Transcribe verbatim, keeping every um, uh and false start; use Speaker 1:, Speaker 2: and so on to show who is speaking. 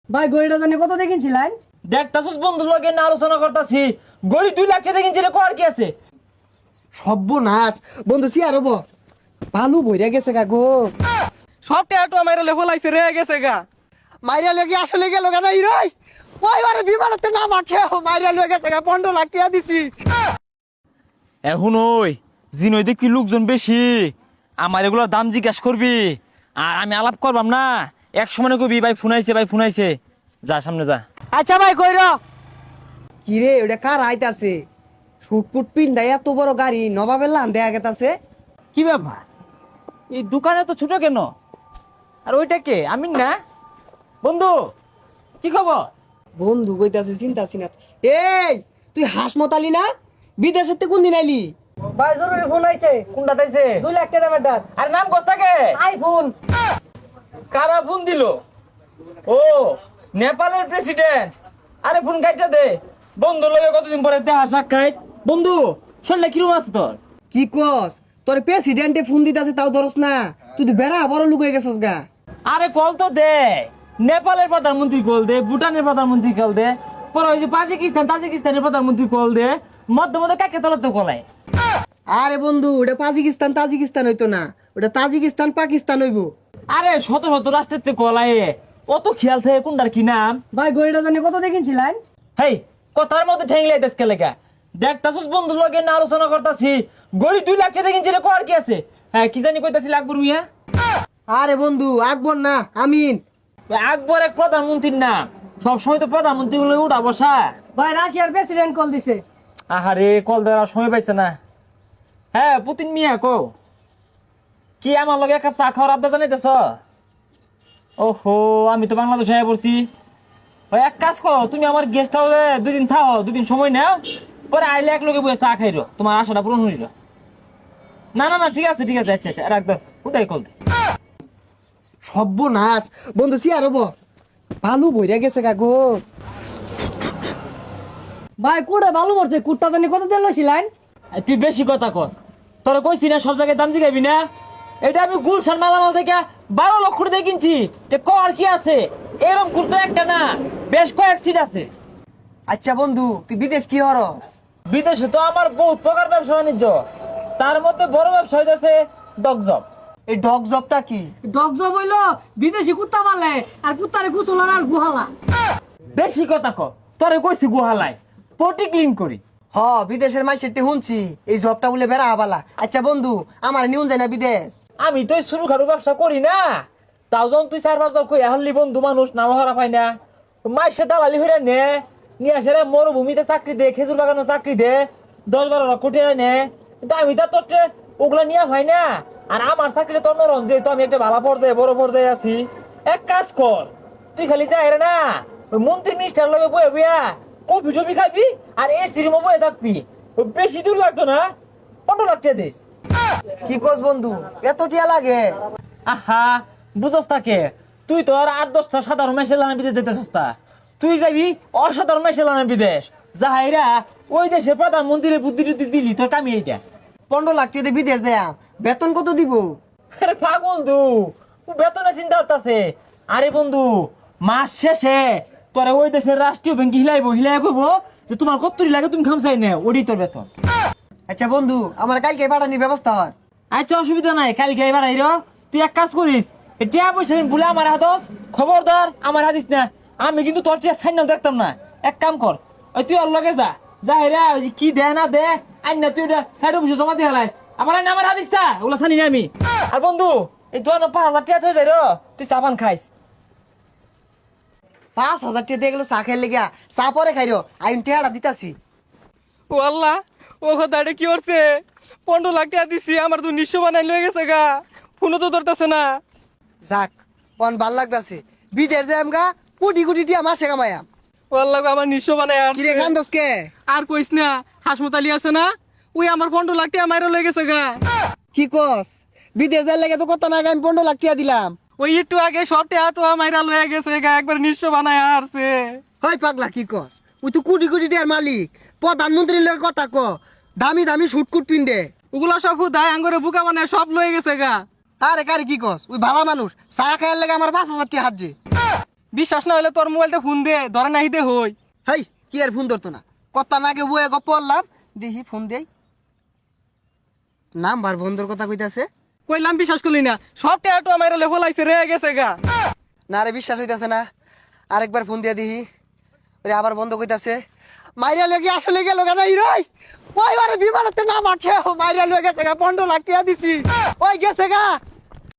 Speaker 1: ভাই গড়িটা জানি কত দেখিনছিলেন?
Speaker 2: দেখতাছিস বন্ধুর লগে না আলোচনা করতাছি, গড়ি দুই লাখ টাকা কিনছি রে, কর কি আছে?
Speaker 3: সর্বনাশ বন্ধু সিয়ার হবো ভালো বইরা গেছে গা গো।
Speaker 4: সব টেয়াটো আমার লেভেল আইছে রে গেছে গা।
Speaker 3: মাইরা লেগে আসলে গেল গা নাই রই ওই আরে বিমানতে না মাখে মাইরা লেগে গেছে গা পনেরো লাখ টাকা দিছি।
Speaker 2: এখন ওই জিনই দেখি লোকজন বেশি, আমার এগুলোর দাম জিজ্ঞাসা করবি আর আমি আলাপ করবাম না, এক সময় কবি ভাই ফোন আইছে ভাই ফোন আইছে, যা সামনে যা।
Speaker 1: আচ্ছা ভাই কইর।
Speaker 3: কি রে ওটা কার আইতাছে? শুটপুট পিন্ডাই এত বড় গাড়ি নবাবের লান দেয়া গেতাছে।
Speaker 2: কি ব্যাপার, এই দোকানে তো ছোট কেন? আর ওইটা কে? আমি না বন্ধু, কি খবর?
Speaker 3: বন্ধু কইতাছে চিন্তা সিনা। এই তুই হাঁস মতালি না? বিদেশের তে কোন দিন আইলি?
Speaker 1: ভাই জরুরি ফোন আইছে।
Speaker 2: কোনটা তাইছে?
Speaker 1: দুই লাখ টাকা দামের দাঁত।
Speaker 2: আর নাম কস্তাকে?
Speaker 1: আইফোন।
Speaker 2: কারা ফোন দিল? ও নেপালের প্রেসিডেন্ট। আরে ফোন কাটটা দে, বন্ধুর লগে কতদিন পরে দেখা সাক্ষাৎ। বন্ধু শরীরে কিরম আছে তোর?
Speaker 3: কি কস তোর প্রেসিডেন্টে ফোন দিতাছে তাও ধরস না? তুই তো বেড়া বড় লোক হয়ে গেছস গা।
Speaker 2: আরে কল তো দে, নেপালের প্রধানমন্ত্রী কল দে, ভুটানের প্রধানমন্ত্রী কল দে, পরে ওই যে পাজিকিস্তান তাজিকিস্তানের প্রধানমন্ত্রী কল দে, মধ্যে মধ্যে কাকে তলাতে কলায়।
Speaker 3: আরে বন্ধু ওটা পাজিকিস্তান তাজিকিস্তান হইতো না, ওটা তাজিকিস্তান পাকিস্তান হইবো।
Speaker 2: আরে শত শত রাষ্ট্রের তে কলায়, অত খেয়াল থাকে কোনটার কি নাম।
Speaker 1: ভাই গড়িটা জানি কত দেখিনছিলেন?
Speaker 2: হেই কথার মধ্যে ঠেংলাই দেশকে লেখা, দেখতাছিস বন্ধুর লগে না আলোচনা করতাছি, গড়ি দুই লাখ টাকা কিনছি রে, কর কি আছে? হ্যাঁ কি জানি কইতাছি আকবর মিয়া।
Speaker 3: আরে বন্ধু আকবর না আমিন।
Speaker 2: আকবর এক প্রধানমন্ত্রীর নাম, সবসময় তো প্রধানমন্ত্রী গুলো উঠা বসা।
Speaker 1: ভাই রাশিয়ার প্রেসিডেন্ট কল দিছে।
Speaker 2: আহারে কল দেওয়ার সময় পাইছে না। হ্যাঁ পুতিন মিয়া কো, কি আমার লগে এক কাপ চা খাওয়ার আবদা জানাইতেছ? ওহো আমি তো বাংলাদেশে আয়া পড়ছি। ওই এক কাজ করো, তুমি আমার গেস্ট হাউসে দুই দিন থাও, দুদিন সময় নাও, পরে আইলে এক লগে বসে চা খাইরো, তোমার আশাটা পূরণ হইল। না না না ঠিক আছে ঠিক আছে, আচ্ছা আচ্ছা রাখ দাও, উঠাই কল।
Speaker 3: সর্বনাশ বন্ধু সিয়ার হবো ভালো বইরা গেছে গা গো।
Speaker 1: ভাই কুড়ে ভালো করছে। কুটটা জানি কত দিয়ে লইছিলেন?
Speaker 2: তুই বেশি কথা কস, তোরা কইছি না সব জায়গায় দাম জিগাবি না। এটা আমি গুলশান মালামাল থেকে বারো লক্ষ দিয়ে কিনছি, কর কি আছে? এরকম কুর্তো একটা না, বেশ কয়েক সিট আছে।
Speaker 3: আচ্ছা বন্ধু তুই বিদেশ কি হরস?
Speaker 2: বিদেশে তো আমার বহুত প্রকার ব্যবসা বাণিজ্য, তার মধ্যে বড় ব্যবসা হইতেছে ডগজব।
Speaker 3: এই ডগ জবটা কি?
Speaker 1: ডগ জব হইলো বিদেশি কুত্তা পালে আর কুত্তারে কুচলার আর গুহালা।
Speaker 2: বেশি কথা ক, তোরে কইছি গুহালায় পটি ক্লিন করি।
Speaker 3: হ বিদেশের মাইসেরটি শুনছি এই জবটা বলে বেড়া আবালা। আচ্ছা বন্ধু আমার নিউন যায় না বিদেশ?
Speaker 2: আমি তো শুরু খাটু ব্যবসা করি না, তাও যখন তুই চার পাঁচ কই হাল্লি বন্ধু মানুষ নাম হারা পাই না, মাইসে দালালি হইরা নে নিয়ে আসে রে, মরুভূমিতে চাকরি দে, খেজুর বাগানে চাকরি দে, দশ বারো লক্ষ টাকা নে। কিন্তু আমি তো তোর ওগুলা নিয়ে হয় না, আর আমার চাকরি তোর নরম, যেহেতু আমি একটা ভালো পর্যায়ে বড় পর্যায়ে আছি। এক কাজ কর, তুই খালি যাই রে না, ওই মন্ত্রী মিনিস্টার লগে বয়ে বইয়া কফি টফি খাবি আর এসি রুমে বয়ে থাকবি, ওই বেশি দূর লাগতো না, পনেরো লাখ টাকা দিস।
Speaker 3: কি কস বন্ধু এত টিয়া লাগে?
Speaker 2: আহা বুঝস তাকে, তুই তো আর আট দশটা সাধারণ মেশে লানা বিদেশ যেতে সস্তা, তুই যাবি অসাধারণ মেশে লানা বিদেশ, যাহাইরা ওই দেশের প্রধানমন্ত্রীর বুদ্ধি টুদ্ধি দিলি তোর কামি এইটা।
Speaker 3: পনেরো লাখ টাকা দিয়ে বিদেশ যায় বেতন কত দিব?
Speaker 2: আরে পাগল তু, বেতনে চিন্তা করতেছে। আরে বন্ধু মাস শেষে তোরা ওই দেশের রাষ্ট্রীয় ব্যাংকে হিলাইবো, হিলাই কইবো যে তোমার কত্তরি লাগে তুমি খামসাই নে, ওডি তোর বেতন।
Speaker 3: আচ্ছা বন্ধু আমার কালকে পাঠানির ব্যবস্থা হর।
Speaker 2: আচ্ছা অসুবিধা নাই, কালকে এবার আইরো। তুই এক কাজ করিস, টিয়া পয়সা বলে আমার হাতস, খবরদার আমার হাতিস না, আমি কিন্তু তোর টিয়া সাইন দেখতাম না। এক কাম কর, ওই তুই ওর লগে যা, যা হেরা ওই যে কি দে না দে আই না, তুই ওটা সাইড অফিসে জমা দিয়ে হারাইস, আমার আইন আমার হাতিস না, ওগুলো জানি না আমি। আর বন্ধু এই দু পাঁচ হাজার টিয়া হয়ে যাই রো, তুই সাবান খাইস।
Speaker 3: পাঁচ হাজার টাকা দিয়ে গেলো চা খাই লেগা, চা পরে খাইরো আইন টেহারা দিতাছি।
Speaker 4: ও আল্লাহ, ও কথা এটা কি করছে? পনেরো লাখ টাকা দিছি, আমার তো নিঃস্ব বানাই লয়ে গেছে গা, ফোনও তো ধরতেছে না।
Speaker 3: যাক পন ভাল লাগতাছে, বিদেশ যাই আমগা কোটি কোটি টিয়া মাসে কামায়াম।
Speaker 4: ও আল্লাহ গো, আমার নিঃস্ব বানাই আর
Speaker 3: কিরে কান্দস কে?
Speaker 4: আর কইস না, হাসমতালি আছে না, ওই আমার পনেরো লাখ টাকা মাইরা লয়ে গেছে গা।
Speaker 3: কি কস? বিদেশ যাই লেগে তো কত না আমি পনেরো লাখ টাকা দিলাম।
Speaker 4: ওই একটু আগে সব টাকা টোয়া মাইরা লয়ে গেছে গা, একবার নিঃস্ব বানাই আসছে।
Speaker 3: হয় পাগলা কি কস? ওই তো কোটি কোটি টিয়ার মালিক, প্রধানমন্ত্রীর লগে কথা ক, দামি দামি শুটকুট পিন্দে।
Speaker 4: ওগুলা সব হুদায় আঙ্গরে বুকা মানে সব লয়ে গেছে গা।
Speaker 3: আরে কারে কি কস? ওই ভালা মানুষ চা খাইয়ার লেগে আমার পাঁচ হাজার টাকা হাত যে।
Speaker 4: বিশ্বাস না হলে তোর মোবাইলটা ফোন দে ধরে নাহি দে হই
Speaker 3: হেই কি আর ফোন ধরতো না কথা নাকে বয়ে গপ পড়লাম দেখি ফোন দেই নাম্বার বন্ধর কথা কইতাছে
Speaker 4: কইলাম বিশ্বাস করলি না সব ট্যাটু আমার লেভেল আইছে রে গেছে গা
Speaker 3: না রে বিশ্বাস হইতাছে না আরেকবার ফোন দিয়া দিহি ওরে আবার বন্ধ কইতাছে মাইরা লেগে আসলে গেল কেন হিরোই ওই আরে বিমানতে না মাখে মাইরা লেগে গেছে গা পনেরো লাখ টাকা দিছি ওই গেছে গা